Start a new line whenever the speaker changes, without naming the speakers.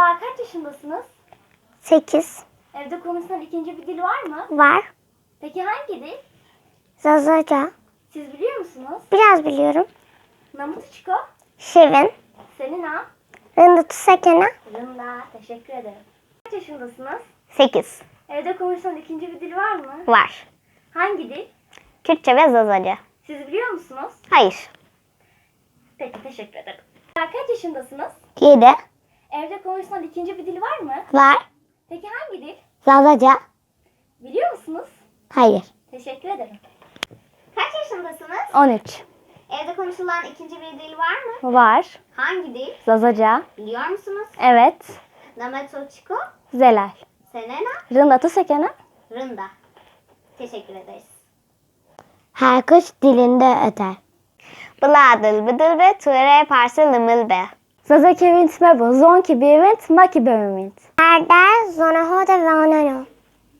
Merhaba, kaç yaşındasınız?
8.
Evde konuşulan ikinci bir dil var mı?
Var.
Peki hangi dil?
Zazaca.
Siz biliyor musunuz?
Biraz biliyorum.
Namutuçko,
Şirin.
senin ha?
Rındıtı Sekene.
Rında, teşekkür ederim. Kaç yaşındasınız?
8.
Evde konuşulan ikinci bir dil var mı?
Var.
Hangi dil?
Kürtçe ve Zazaca.
Siz biliyor musunuz?
Hayır.
Peki, teşekkür ederim. Kaç yaşındasınız?
7.
Evde konuşulan ikinci bir dil var mı?
Var.
Peki hangi dil?
Zazaca.
Biliyor musunuz?
Hayır.
Teşekkür ederim. Kaç yaşındasınız?
13.
Evde konuşulan ikinci bir dil var mı?
Var.
Hangi dil?
Zazaca.
Biliyor musunuz?
Evet.
Nametuçko,
Zelal.
Selena,
Rındıtı Sekene.
Rında. Teşekkür ederiz.
Her kuş dilinde öter. Bladıl bıdıl be ture parça lımıl be. Zaza kevint me bu zonki bir vint maki be vint. Erde zona hoda ve anano.